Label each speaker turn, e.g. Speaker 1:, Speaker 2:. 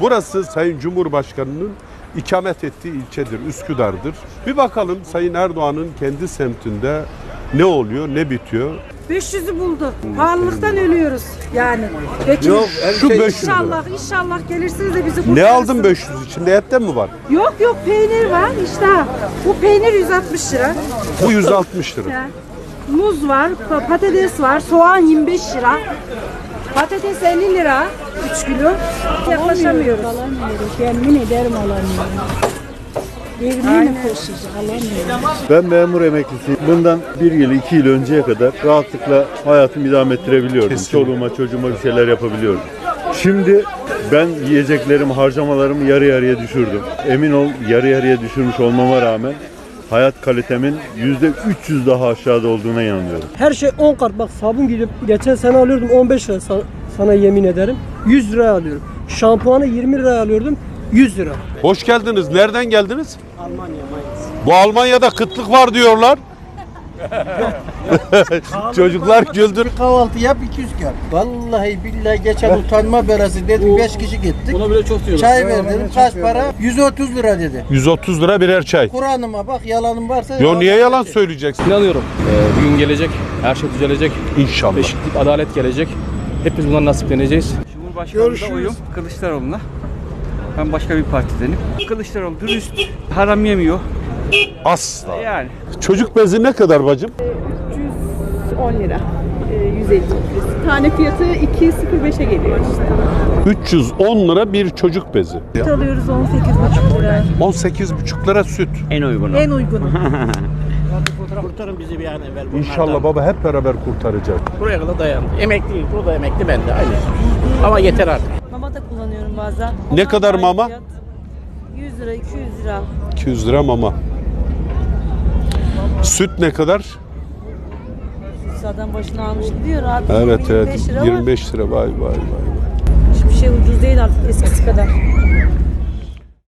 Speaker 1: Burası Sayın Cumhurbaşkanı'nın ikamet ettiği ilçedir, Üsküdar'dır. Bir bakalım Sayın Erdoğan'ın kendi semtinde ne oluyor, ne bitiyor?
Speaker 2: 500'ü buldu. Pahalılıktan ölüyoruz yani. Peki
Speaker 1: Yok, şu 500 lira.
Speaker 2: inşallah gelirsiniz de bizi kurtarırsınız.
Speaker 1: Ne aldın 500? İçinde etten mi var?
Speaker 2: Yok peynir var işte. Bu peynir 160 lira.
Speaker 1: Bu 160 lira.
Speaker 2: Ya. Muz var, patates var, soğan 25 lira. Patates 50 lira 3 kilo. Yaklaşamıyoruz.
Speaker 3: Alamıyoruz. Yemin ederim alamıyorum. Evine koşuyoruz, alamıyoruz.
Speaker 4: Ben memur emeklisiyim. Bundan 1 yıl, 2 yıl önceye kadar rahatlıkla hayatımı idame ettirebiliyordum.
Speaker 1: Kesinlikle.
Speaker 4: Çoluğuma, çocuğuma bir şeyler yapabiliyordum. Şimdi ben yiyeceklerimi, harcamalarımı yarı yarıya düşürdüm. Emin ol yarı yarıya düşürmüş olmama rağmen hayat kalitemin %300 daha aşağıda olduğuna inanıyorum.
Speaker 5: Her şey 10 kat. Bak sabun gidip geçen sene alıyordum 15 lira sana yemin ederim. 100 liraya alıyorum. Şampuanı 20 liraya alıyordum. 100 lira.
Speaker 1: Hoş geldiniz. Nereden geldiniz?
Speaker 5: Almanya, Mainz.
Speaker 1: Bu Almanya'da kıtlık var diyorlar. Çocuklar güldür.
Speaker 6: Kahvaltı yap 200 kağıt. Vallahi billahi geçen utanma belası dedim 5 kişi gittik.
Speaker 5: Ona bile çok diyorlar.
Speaker 6: Çay ver dedim kaç para? 130 lira dedi.
Speaker 1: 130 lira birer çay.
Speaker 6: Kur'an'ıma bak yalanım varsa.
Speaker 1: Yo niye yalan söyleyeceksin?
Speaker 7: İnanıyorum. Bir gün gelecek, her şey düzelecek.
Speaker 1: İnşallah.
Speaker 7: Eşitlik, adalet gelecek. Hepimiz bundan nasipleneceğiz. Cumhurbaşkanımıza oyum Kılıçdaroğlu'na. Ben başka bir partidenim. Kılıçdaroğlu dürüst, haram yemiyor.
Speaker 1: Asla.
Speaker 7: Yani.
Speaker 1: Çocuk bezi ne kadar bacım?
Speaker 8: 310 lira. 150 litresi. Tane fiyatı 2.05'e geliyor işte.
Speaker 1: 310 lira bir çocuk bezi.
Speaker 2: Alıyoruz 18,5 lira.
Speaker 1: 18,5 lira süt.
Speaker 2: En uygunu.
Speaker 9: Kurtarın bizi bir an evvel.
Speaker 1: İnşallah baba hep beraber kurtaracağız.
Speaker 9: Buraya kadar dayandı. Emekliyim. O da emekli ben de aynı. Ama yeter artık.
Speaker 2: Mama da kullanıyorum bazen.
Speaker 1: Ne kadar mama?
Speaker 2: 100 lira, 200 lira.
Speaker 1: 200 lira mama. Süt ne kadar?
Speaker 2: Zaten başına almış gidiyor abi.
Speaker 1: Evet
Speaker 2: 25 lira var.
Speaker 1: 25 lira vay.
Speaker 2: Hiçbir şey ucuz değil artık eskisi kadar.